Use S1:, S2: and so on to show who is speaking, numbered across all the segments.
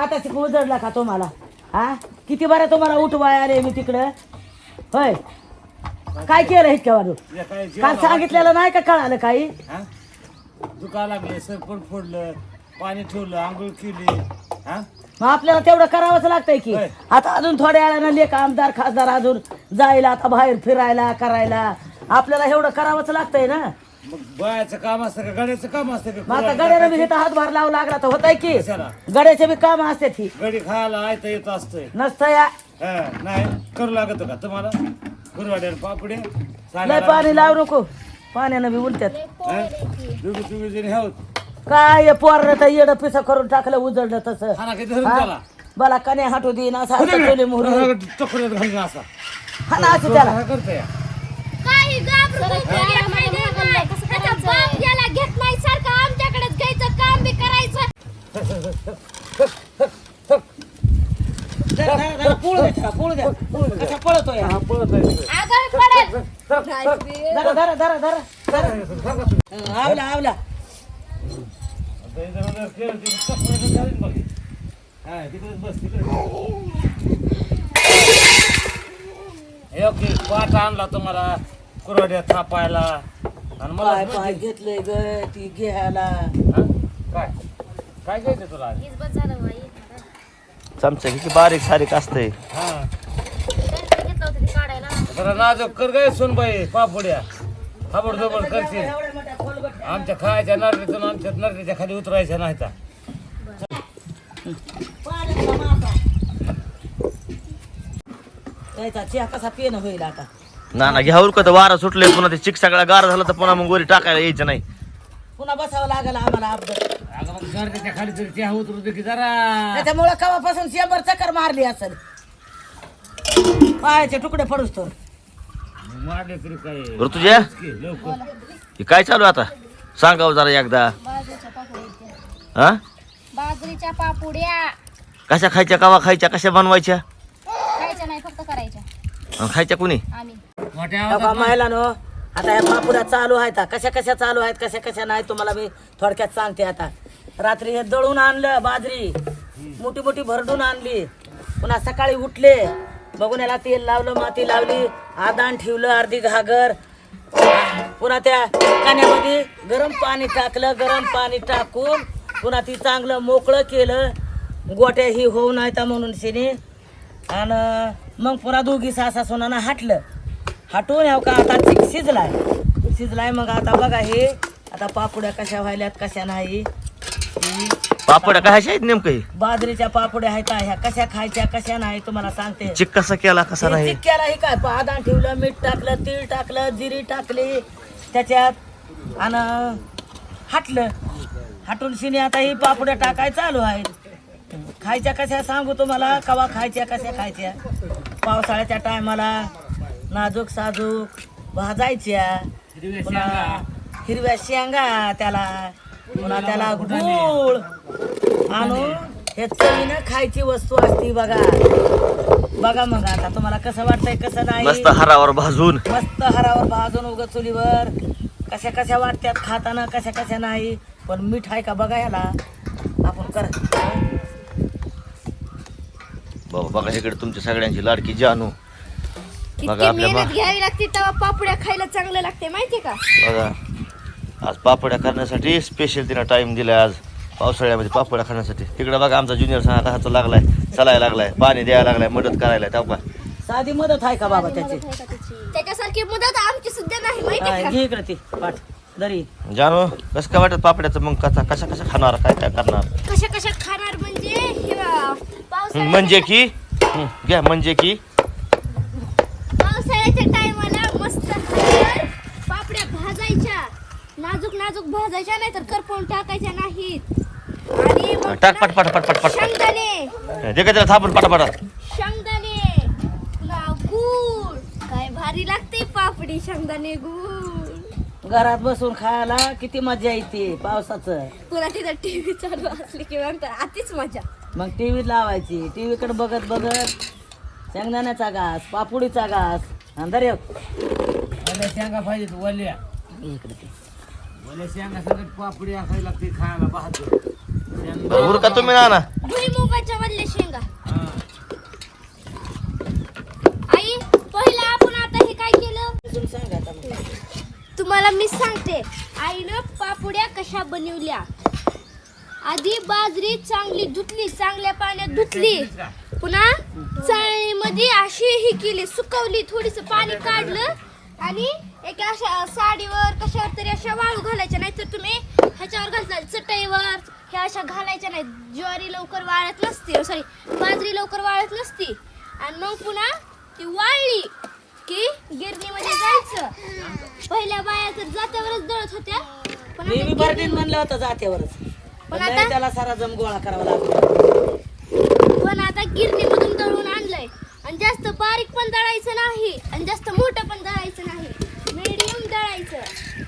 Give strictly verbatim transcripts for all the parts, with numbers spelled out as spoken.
S1: आता उजडला का तुम्हाला? हा किती बरं तुम्हाला उठवाय आले मी तिकडं. होय काय केलं इतक्यावर? काल सांगितलेलं नाही का? कळालं काही?
S2: दुखा लागले, सरपण फोडलं, पाणी ठेवलं, आंघोळ केली. हा
S1: मग आपल्याला तेवढं करावंच लागतंय की. आता अजून थोड्या वेळानं लेख आमदार खासदार अजून जायला आता बाहेर फिरायला करायला आपल्याला एवढं करावंच लागतंय ना.
S2: मग बायाचं काम असतं का गड्याचं काम असतं का?
S1: मग आता गड्यानं बी इथं हातभार लावू लागला तर होतंय की. गड्याचे बी काम असते ती.
S2: गडी खायला आयता येत असतंय
S1: नसतं या
S2: नाही करू लागत का तुम्हाला? गुरुवाड्याला पापडे
S1: लय पाणी लावू नको, पाण्यानं बी उलट्यात.
S2: दोघी तुम्ही जणी आहोत
S1: काय पोर तर येडं पिसं करून टाकलं उजळलं तसं.
S2: खाना किती धरून त्याला
S1: मला कने हाटू दे ना सारखं मोहरी
S2: चक्रात घालून असा
S1: हा ना असं त्याला
S2: करतोय.
S3: काही घाबरू नको, घेत नाही, घेत नाही. त्याचा बाप याला घेत नाही, सारखं आमच्याकडेच घ्यायचं, काम बी करायचं.
S1: जरा- जरा- जरा पोळू द्या त्याला, पोळू द्या. कसा पळतोय हा?
S3: आगाऊ पडेल.
S1: जरा जरा जरा जरा जरा आवला आवला
S2: पाठ आणला तुम्हाला कुरवड्या थापायला आणि मला
S1: काय पाय घेतलंय ग ती घ्यायला.
S2: हा? काय काय घ्यायचं तुला आज?
S3: हीच बस झालं बाई.
S4: चमचा किती बारीक सारीक असते.
S2: हा
S3: त्यांचं घेतलं होतं ते काढायला.
S2: जरा नाजूक कर गाय सोनबाई पापड्या खाबड दोबड करते. आमच्या खायच्या नरडीतून आमच्या नरडीच्या खाली उतरायच्या नाही तर
S1: त्याचा चहा कसा पिणं होईल आता.
S4: ना ना घ्यावर का तर वारा सुटले पुन्हा ते चिक सगळा गार झाला तर पुन्हा मग वरी टाकायला यायचं नाही.
S1: पुन्हा बसावं लागेल आम्हाला अपघात.
S2: अगं मग नरडीच्या खाली तरी चहा उतरू दे की जरा.
S1: त्याच्यामुळं कवापासून शंभर चक्कर मारली असेल, पायाचे तुकडे पडूस तर.
S2: मारले तरी काय
S4: ऋतुजा
S2: लवकर
S4: हे काय चालू आहे आता सांगावं जरा एकदा.
S3: बाजरीच्या पापड्या.
S4: हा
S3: बाजरीच्या पापुड्या
S4: कशा खायच्या कवा खायच्या कशा बनवायच्या
S3: खायच्या नाही, फक्त करायच्या.
S4: आणि खायच्या कुणी?
S3: आम्ही
S2: मोठ्या
S1: बघा महिलानो, आता या पापुड्या चालू आहेत. कशा कशा चालू आहेत कशा कशा नाही तुम्हाला मी थोडक्यात सांगते. आता रात्री हे दळून आणलं बाजरी, मोठी मोठी भरडून आणली. पुन्हा सकाळी उठले, बघून याला तेल लावलं, माती लावली, आदान ठेवलं, अर्धी घागर. पुन्हा त्या कान्यामध्ये गरम पाणी टाकलं, गरम पाणी टाकून पुन्हा ती चांगलं मोकळं केलं, गोट्या ही होऊ नाहीत म्हणून शिने. आणि मग पुन्हा दोघी सासा सोनानं हाटलं, हाटून ह्याव का आता चिक शिजलाय शिजलाय मग आता बघा हे आता पापुड्या कशा व्हायल्यात कशा नाही.
S4: पापड्या कशाच्या आहेत नेमकं हे?
S1: बाजरीच्या पापुड्या आहेत ह्या, कशा खायच्या कशा नाही तुम्हाला सांगते.
S4: चिक कसा केला कसा नाही?
S1: चिक्क्याला हे काय आदान ठेवलं, मीठ टाकलं, तीळ टाकलं, जिरी टाकली त्याच्यात आणि हाटलं. हाटून शिने आता ही पापुड्या टाकाय चालू आहेत. खायच्या कशा सांगू तुम्हाला, कवा खायच्या कशा खायच्या. पावसाळ्याच्या टायमाला नाजूक साजूक भाजायच्या, पुन्हा हिरव्या शेंगा त्याला, पुन्हा त्याला गूळ आणून हे चवीनं खायची वस्तू असती. बघा बघा मग आता तुम्हाला कसं वाटतंय कसं नाही.
S4: मस्त हरावर भाजून
S1: मस्त हरावर भाजून उग चुलीवर कशा कशा वाटत्यात खाताना कशा कशा नाही. पण मीठ आहे का बघा याला आपण कर.
S4: बाबा बघा इकडे तुमच्या सगळ्यांची लाडकी जानू. बघा
S3: इतकी
S4: आपल्या
S3: मेहनत घ्यावी लागते तेव्हा पापड्या खायला चांगलं लागते, माहितीये का?
S4: बघा आज पापड्या करण्यासाठी स्पेशल तिला टाइम दिलाय आज पावसाळ्यामध्ये पापड्या खाण्यासाठी. तिकडे बघा आमचा ज्युनियर सांगा कसा लागलाय, चलायला लागलाय, पाणी द्यायला लागलाय, मदत करायला. तेव्हा
S1: साधी मदत आहे का बाबा त्याची?
S3: त्याच्यासारखी मदत आमची सुद्धा नाही, माहितीये
S1: हा,
S3: का?
S1: घे इकडे ती पाठ दरी.
S4: जानू कसं काय वाटत पापड्याचं मग कसा कशा कशा खाणार काय काय करणार?
S3: कशा कशा खाणार म्हणजे हे बघा, पावसाळ्याच्या-
S4: म्हणजे की हं, घ्या म्हणजे की
S3: पावसाळ्याच्या टायमाला मस्त हळद, पापड्या भाजायच्या, नाजूक नाजूक भाजायच्या, नाही तर करपवून टाकायच्या नाहीत. आणि मग
S4: टाक पट पट पट पट पट
S3: शेंगदाणे,
S4: जे काय त्याला थापून पटापटा.
S3: शेंगदाणे पुन्हा गूळ. काय भारी लागते पापडी, शेंगदाणे गूळ.
S1: घरात बसून खायला किती मजा येते पावसाचं.
S3: पुन्हा तिथं टीव्ही चालू असली की मग तर आतीच मजा.
S1: मग टीव्ही लावायची, टीव्ही कडे बघत बघत शेंगदाण्याचा घास, पापुडीचा घास. अंदर येऊ
S2: वल्या शेंगा पाहिजेत वल्या
S1: इकडे ते.
S2: वल्या शेंगा सगळ्यात पापडी खायला लागते खायला बहादूर.
S4: बरं उरका तुम्ही ना ना
S3: भुईमुगाच्या वल्ल्या शेंगा. आई पहिला आपण आता हे काय केलं
S1: अजून सांगा आता मग.
S3: तुम्हाला मी सांगते. आईनं पापुड्या कशा बनवल्या. आधी बाजरी चांगली धुतली, चांगल्या पाण्यात धुतली, पुन्हा चाळणीमध्ये अशी ही केली, सुकवली, थोडीस पाणी काढलं आणि एक अशा साडीवर कशावर तरी अशा वाळू घालायच्या, नाही तर तुम्ही ह्याच्यावर घालता चटईवर, ह्या अशा घालायच्या नाही. ज्वारी लवकर वाळत नसते, सॉरी बाजरी लवकर वाळत नसती. आणि मग पुन्हा ती वाळली की गिरणीमध्ये जायचं. पहिल्या बाया तर जात्यावरच दळत होत्या, पण
S1: मी
S3: आता
S1: बी बर्डीन
S3: गिरणी-
S1: म्हणलं होतं जात्यावरच, पण
S3: आता-
S1: नाही त्याला सारा जम गोळा करावा लागला.
S3: पण आता गिरणीमधून दळून आणलंय. आणि जास्त बारीक पण दळायचं नाही आणि जास्त मोठं पण दळायचं नाही, मीडियम दळायचं.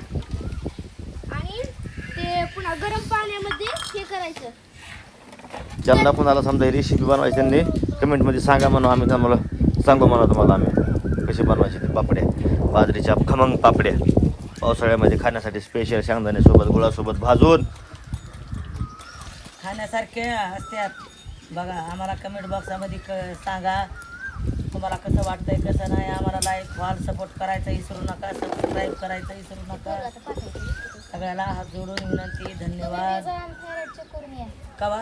S3: आणि ते पुन्हा गरम पाण्यामध्ये हे करायचं.
S4: ज्यांना कोणाला समजा रेसिपी बनवायची त्यांनी कमेंटमध्ये सांगा म्हणून आम्ही तुम्हाला सांगू म्हणा तुम्हाला आम्ही कशी बनवायची ते पापड्या, बाजरीच्या खमंग पापड्या पावसाळ्यामध्ये खाण्यासाठी स्पेशल शेंगदाण्यासोबत गुळासोबत भाजून
S1: खाण्यासारखे असतात बघा. आम्हाला कमेंट बॉक्समध्ये क सांगा तुम्हाला कसं वाटतंय कसं नाही. आम्हाला लाईक फॉल सपोर्ट करायचं विसरू नका, सबस्क्राईब करायचं विसरू नका. सगळ्याला हात जोडून विनंती, धन्यवाद. कवा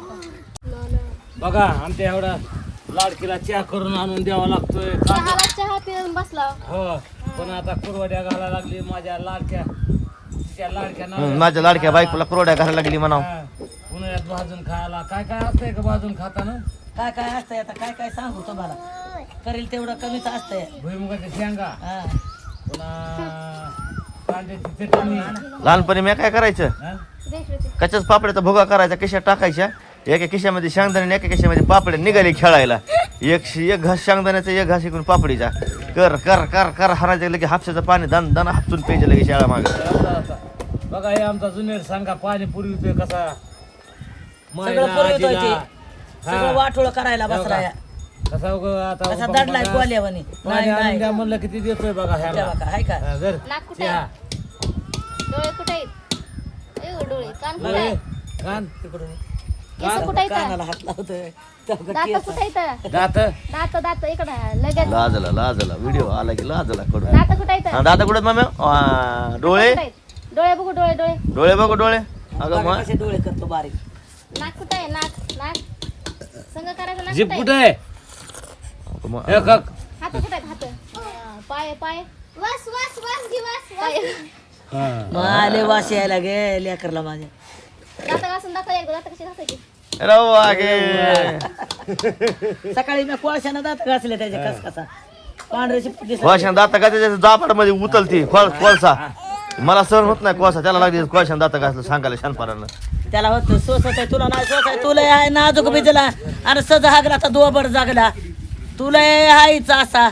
S2: बघा आमच्या एवढा लाडकीला चहा करून आणून द्यावा लागतोय.
S3: चहाला चहा पिऊन बसला.
S2: हो पण आता कुरवड्या घालायला लागली माझ्या लाडक्या त्या लाडक्या
S4: हं,
S2: नवऱ्याला.
S4: माझ्या लाडक्या बायकोला कुरवड्या घालायला लागली म्हणावं.
S2: हा, उन्हाळ्यात भाजून खायला काय काय असतंय का भाजून खाताना?
S1: काय काय असतंय आता काय काय सांगू तुम्हाला. करेल तेवढं कमीच असतंय.
S2: भुईमुगाच्या शेंगा,
S1: हा
S2: पुन्हा कांद्याची चटणी.
S4: लहानपणी मी काय करायचं
S2: हा?
S4: कच्च्याच पापड्याचा भुगा करायचा, खिशात टाकायच्या, एका खिशामध्ये शेंगदाणे आणि एका खिशामध्ये पापड्या निघाले खेळायला. एक एक घास शेंगदाण्याचा एक घास इकडून पापडीचा कर कर कर कर हरायचं लगे हापशाचं पाणी दन दन हापसून प्यायचं लगे शाळा मागे.
S2: एवढा होता. बघा हे आमचा जुनेर सांगा पाणी पुरवितोय कसा. मायला,
S1: सगळं पुरवितोय ते.
S2: आजीला.
S1: सगळं
S2: हा.
S1: वाटोळ करायला बसला या.
S2: कसा उगा आता
S1: कसा
S2: बघा,
S1: दडलाय कोल्यावानी.
S2: पाणी
S1: नाही
S2: आणून
S1: नाही
S2: द्या म्हणलं किती देतोय बघा
S1: त्या
S2: ह्याला.
S1: बघा, हाय का
S2: हा, धर.
S3: नाक कुठे
S2: चहा.
S3: डोळे कुठे आहेत? ए, डोळे कान कुठे
S2: बघ हे,
S3: आहेत?
S2: कान
S1: तिकडून
S3: केस कुठे आहेत?
S1: कानाला हात लावतोय. त्या बघा
S3: दात
S1: केस.
S3: कुठे आहेत?
S2: दात
S3: दात दात इकडं लगेच.
S4: लाजला लाजला व्हिडिओ आला की लाजला कडून.
S3: दात कुठे आहेत?
S4: दादा कुठे मामे डोळे
S3: कुठे आहेत? डोळे बघू, डोळे डोळे.
S4: डोळे बघू डोळे अगं
S1: बघा
S4: मग
S1: कसे डोळे करतो बारीक.
S3: नाक कुठे आहे? नाक नाक संग करायचं. नाक
S2: जीप
S3: कुठे
S2: कुठे
S3: आहे?
S2: आहे?
S4: मग-
S2: हे कक.
S3: हात कुठे आहेत? हात हा, पाय पाय वास वास वास घे वास वास.
S2: हा.
S1: माले वास यायला गे लेकरला माझ्या.
S3: दात घासून दाखव एकदा. दात कशी घासायची?
S4: रवा गे
S1: सकाळी मी कोळशानं दात घासले त्याचे कस कसा पांढऱ्याची दिसत.
S4: कोळशान दाता का त्याच्या जापाड मध्ये उतलती कोळ- कोळसा मला सहन होत नाही कोळसा त्याला लागली कोळशान दाता घासलं सांगायला शानपणानं.
S1: त्याला होतं सोस होत तुला नाही सोस आहे. तुला आहे नाजूक बिजला आणि सज हागला तर दोबड जागला. तुला हायचा असा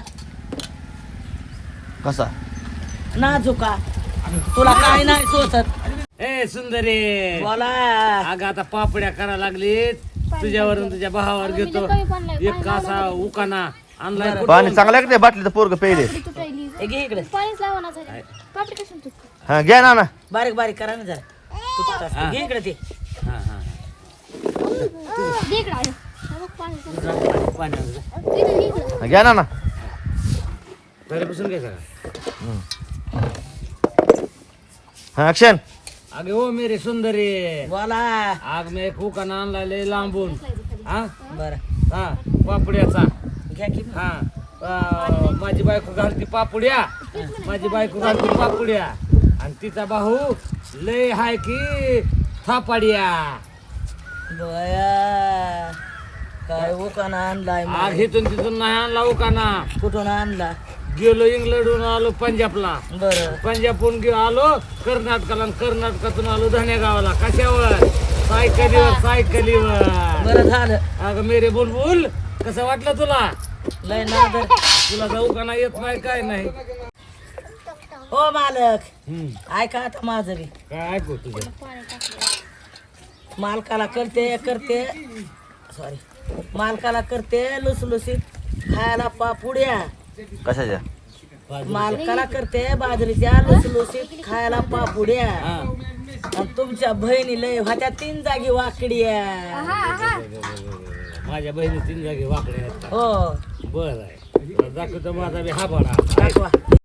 S4: कसा
S1: नाजूका. तुला काय नाही सोसत.
S2: ए सुंदरी
S1: बोला
S2: अगं आता पापड्या करायला लागली तुझ्यावरून तुझ्या भावावर घेतो एक कासा उकाना आणलाय कुठं?
S4: पाणी चांगलं आहे का ते बाटलीचं पोरग पेले
S3: तुटायली.
S1: हे घे इकडे
S3: पाणीच लावणार झाली. पापडी कशी तुटते?
S4: हा घ्या ना ना
S1: बारीक बारीक करा ना जरा. तुटत असतं. घे इकडे ते.
S2: हा, हा,
S3: दे इकडं आलं. हा बघ पाणी चालू.
S2: हा. पाणी आणलं.
S3: इकडं, इकडं.
S4: हा, घ्या ना ना
S2: घरापासून घ्यायचं का?
S4: हा ऍक्शन
S2: अगे ओ मेरी सुंदरी
S1: बोला
S2: आग मी एक उकाना आणलाय लय लांबून. हा
S1: बरं
S2: हा पापड्याचा.
S1: घ्या की.
S2: हा अं, माझी बायको घालती पापुड्या, माझी बायको घालती पापुड्या आणि तिचा भाऊ लय हाय की थापाड्या.
S1: बया काय उकाना आणलाय
S2: आग
S1: मग.
S2: हिथून तिथून नाही आणला उकाना.
S1: कुठून आणला.
S2: गेलो इंग्लंडहून आलो पंजाबला,
S1: बरं
S2: पंजाबहून गे आलो कर्नाटकाला आणि कर्नाटकातून आलो धनेगावला. कशावर? सायकलीवर सायकलीवर.
S1: बरं झालं.
S2: अगं मेरे बुलबुल कसं वाटलं तुला?
S1: लय नादर.
S2: तुला जाऊ का नाही येत नाही काय नाही.
S1: हो मालक
S2: हम्म.
S1: ऐका आता माझं बी.
S2: काय ऐकू तुझं?
S1: मालकाला करते करते सॉरी मालकाला करते लुसलुसीत खायला पापुड्या.
S4: कशाच्या
S1: मालकाला करते बाजरीच्या लुसलुसीत खायला पापुड्या.
S2: हा
S1: आणि तुमच्या बहिणी लय होत्या तीन जागी वाकड्या.
S3: आहा, आहा.
S2: माझ्या बहिणी तीन जागी वाकडे आहेत का?
S1: हो
S2: बरं आहे दाखवतो माझा बी हा बडा
S1: दाखवा.